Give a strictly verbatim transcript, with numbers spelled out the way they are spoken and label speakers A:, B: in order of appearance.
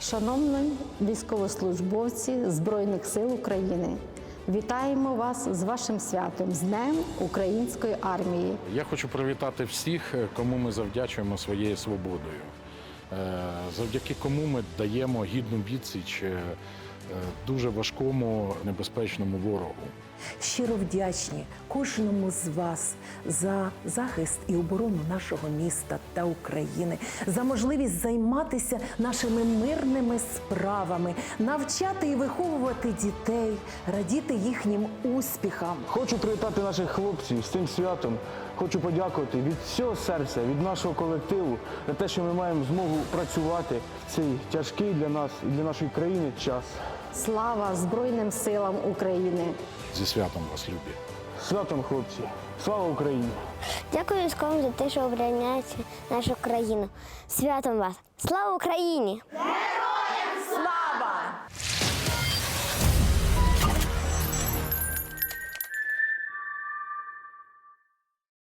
A: Шановні військовослужбовці Збройних сил України, вітаємо вас з вашим святом, з Днем Української армії.
B: Я хочу привітати всіх, кому ми завдячуємо своєю свободою, завдяки кому ми даємо гідну відсіч дуже важкому, небезпечному ворогу.
C: Щиро вдячні кожному з вас за захист і оборону нашого міста та України, за можливість займатися нашими мирними справами, навчати і виховувати дітей, радіти їхнім успіхам.
D: Хочу привітати наших хлопців з цим святом. Хочу подякувати від всього серця, від нашого колективу за те, що ми маємо змогу працювати в цей тяжкий для нас і для нашої країни час.
A: Слава Збройним силам України!
B: Зі святом вас, любі!
D: Святом, хлопці! Слава Україні!
E: Дякую військовим за те, що обороняєте нашу країну. Святом вас! Слава Україні!